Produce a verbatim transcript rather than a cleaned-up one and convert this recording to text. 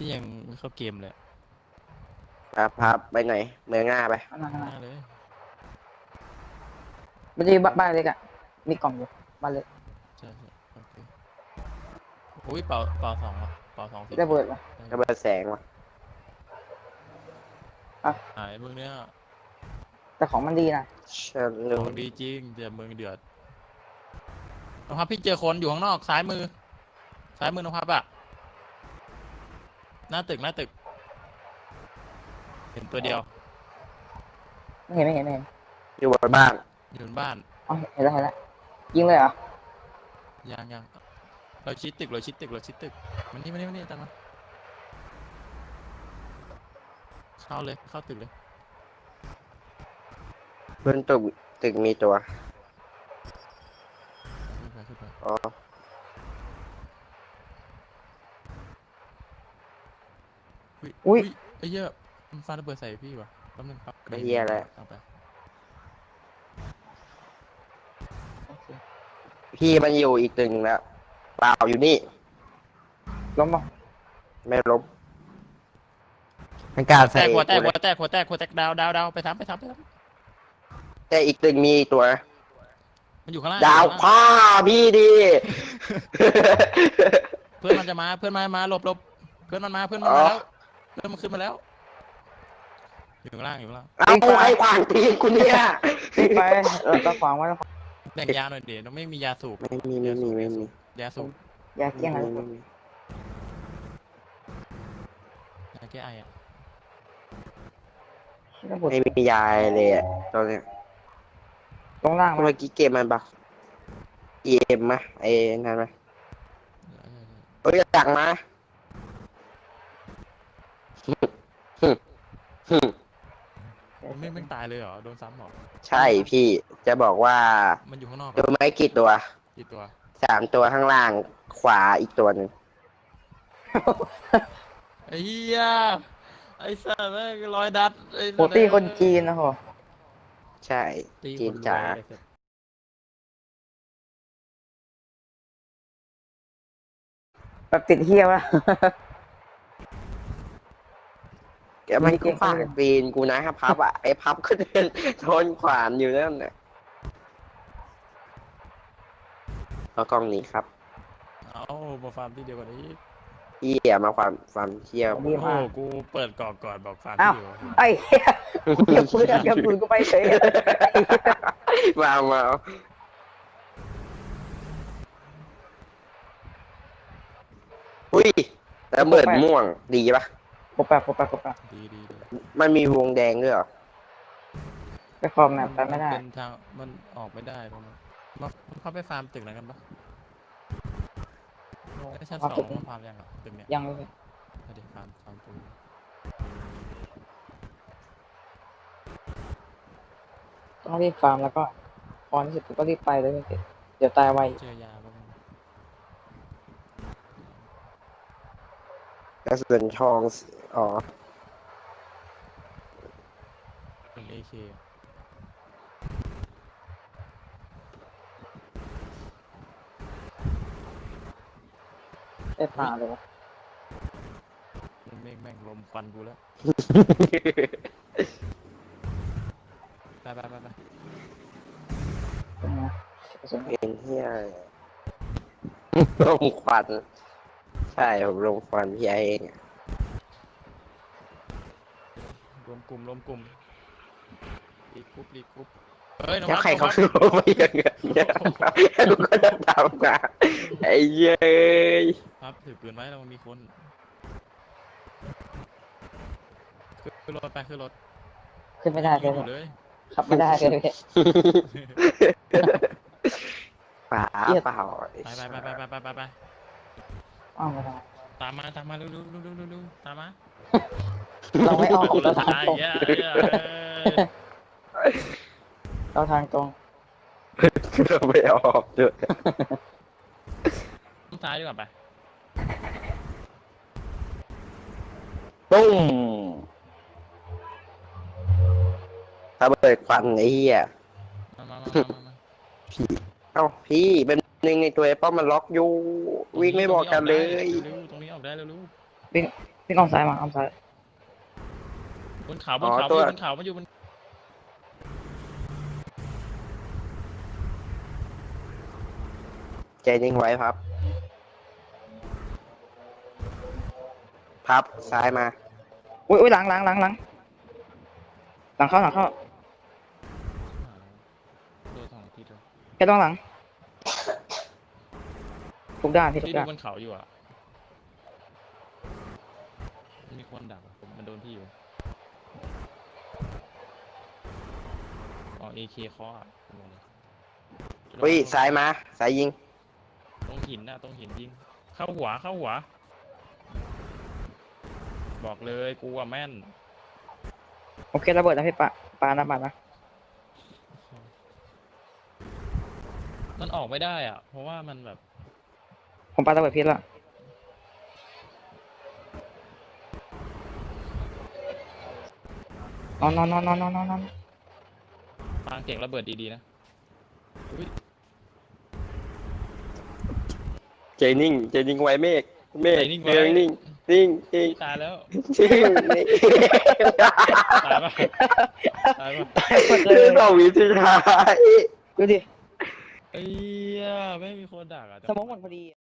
พี่ยังไม่เข้าเกมเลยครับครับไปไหนเมืองง่าไปหน้าเลยมันจะมีบ้านเล็กอ่ะมีกล่องอยู่บ้านเล็กใช่ใช่โอเคอุ้ยเป่าเป่าสองอ่ะเป่าสองสิระเบิดวะระเบิดแสงวะหายเมืองเนี้ยแต่ของมันดีนะฉันขรู้องดีจริงแต่เมืองเดือดน้องพับพี่เจอคนอยู่ข้างนอกซ้ายมือซ้ายมือน้องพับอะหน้าตึกหน้าตึกเห็นตัวเดียวไม่เห็นไม่เห็นไม่เห็นอยู่บนบ้านอยู่บนบ้านอ๋อเห็นแล้วเห็นแล้วยิงเลยเหรอยังยังเราชิดตึกเราชิดตึกเราชิดตึกมันนี่มันนี่มันนี่ตามมาเข้าเลยเข้าตึกเลยบนตึกตึกมีตัวขึ้นไปขึ้นไปอ๋ออุ้ยไอ้เหี้ยมันฟาระเบิดใส่พี่วะแป๊บนึงครับไม่เหี้ยแล้วเอาไปพี่มันอยู่อีกตึกหนึ่งแล้วเปล่าอยู่นี่ล้มป่ะไม่ล้มมันกล้ารแตใส่กหัวแตกกูหัเลวยแตกหัวแตกหัวแตกดาวดาวดาวไปทำไปทำไปทแต่อีกตึกมีอีกตัวำมันอยู่ข้างล่างดาวอยู่ข้างล่างพ่อพี่ดีเพื่อนมันจะมาเพื่อนมามาหลบหลบเพื่อนมันมาเพื่อนมันมาแล้วเพื่อนมันขึ้นมาแล้วอยู่ข้างล่างอยู่ข้างล่างเอาไอ้ขวางตีนกูเนี่ยไปเออตะขวางไว้ตะขวางแบ่งยาหน่อยเดี๋ยวเราไม่มียาสูบไม่มีไม่มีไม่มียาสูบอย่าเกี้ยงอะไรไม่มียาแก้ไออ่ะระเบิดไม่มียายเลยอะตอนเนี้ยตรงล่างเมื่มาอกี้เกมมันปะเอเอ็มมะไอ้นั่นมะเอ้ยจักมามันไม่ไม่ตายเลยเหรอโดนซ้ำเหรอใช่พี่จะบอกว่ามันอยู่ข้างนอกตัวไม้กี่ตัวกี่ตัวสามตัวข้างล่างขวาอีกตัวหนึ่งไอ้เหี้ยไอ้สัตว์แม่งรอยดัดไอ้โปรตี้คนจีนนะโหใช่ตีจีคน นจ๋าจ๋าแบบติดเฮียวะแกมันก็ขวางปีนกูนะครับพับอ่ะไอ้พับก็เดินทนขวานอยู่นั่นน่ะเอากล้องนี้ครับเอามาฟาร์มที่เดียวกันนี้พี่อย่ามาความความเที่ยวดีโอ้มากกูเปิดกล่องก่อนบอกฟาร์มอ้าวที่เดียวไอ้เหี้ยเก็บปืนเก็บปืนกูไปเฉยมามาเอาอุ้ยแล้วเบิดม่วงดีปะปบแปะปบแปะปบแปะดีดีดีมันมีวงแดงด้วยเหรอไปคอมแมปไปไม่ได้เป็นทางมันออกไม่ได้ตรงนั้นมามันเข้าไปฟาร์มตึกไหนกันปะไอ้ชั้นสองมันฟาร์มยังอ่ะตึกเนี้ยยังเลยเอาดี๋ยวฟาร์มฟาร์มตรงต้องรีบฟาร์มแล้วก็พอที่สุดก็รีบไปเลยไม่เก็บเดี๋ยวตายไวเจอยาบ้างกระสุนทองอ๋อเป็นเอเคได้ผ่าเลยวะแม่งแม่งลมควันกูแล้วไปไปไปไปเป็นไงกระสุนเป็นเที่ยลมควันใช่ผมลมควันพี่ไอเองอะรวมกลุ่มรวมกลุ่มรีกรุ๊ปรีกรุ๊ปเฮ้ยน้องแล้วพับใครเขาน้คือไม่อย่างเงี้ยแล้วกูก็จะตามมาไอ้เย้ยครับถือปืนไว้แล้วมันมีคนขึ้นรถไปขึ้นรถขึ้นไม่ได้เลยืยนอยู่เลยขับไม่ได้เลยป่าเปล่าไปไปไปไปไปไปไปไปอ้าวไม่ได้ตามมาตามมาเร็วเร็วเร็วเร็วเร็วเร็วตามมาเราไม่ออกเราทางตายตรงเยอะเยอะเราทางตรงเราไม่ออกด้วยซ้ายดีกว่าไปปุ้มถ้าเบิดควันไอ้เหี้ยมามามามามาพี่เอ้าพี่เป็นหนึ่งในตัวไอ้ป้อมมันล็อกอยู่วิ่งไม่บอกกันเลยเร็วๆตรงนี้ออกได้เร็ววิ่งวิ่งออกซ้ายมาออกซ้ายบนเขาบนเขาอ๋อตัวมันอยู่บนเขามันอยู่บนใจนิ่งไว้พับ พับซ้ายมาอุ้ยอุ้ยหลังหลังหลังหลังหลังเข้าหลังเข้าโดนสองทีเลยแค่ต้องหลังทุกด้านพี่ทุที่กดูด้านบนเขาอยู่อ่ะมันมีคนดักอะผมมันโดนพี่อยู่อ๋อเอเคเคาะอะผมบอกเลยอุ้ยซ้ายมาซ้ายยิงตรงหินน่ะตรงหินยิงเข้าหัวเข้าหัว บอกเลยกูอะแม่นโอเคระเบิดนะพี่ปะปานะปานะมันออกไม่ได้อ่ะ เพราะว่ามันแบบผมปาระเบิดพิษละนอนนอนนอนนอนนอนนอนนอนปางเก่งระเบิดดีๆนะอุ้ยใจนิ่งใจนิ่งไว้เมฆเมฆใจนิ่งไว้เดินนิ่งนิ่งนิ่งตายแล้วนิ่งนิ่งตายปะตายปะหมดเลคือย สองวิสุดท้ายดูดิเอ้ยไม่มีคนดักอ่ะแต่สมองหมดพอดี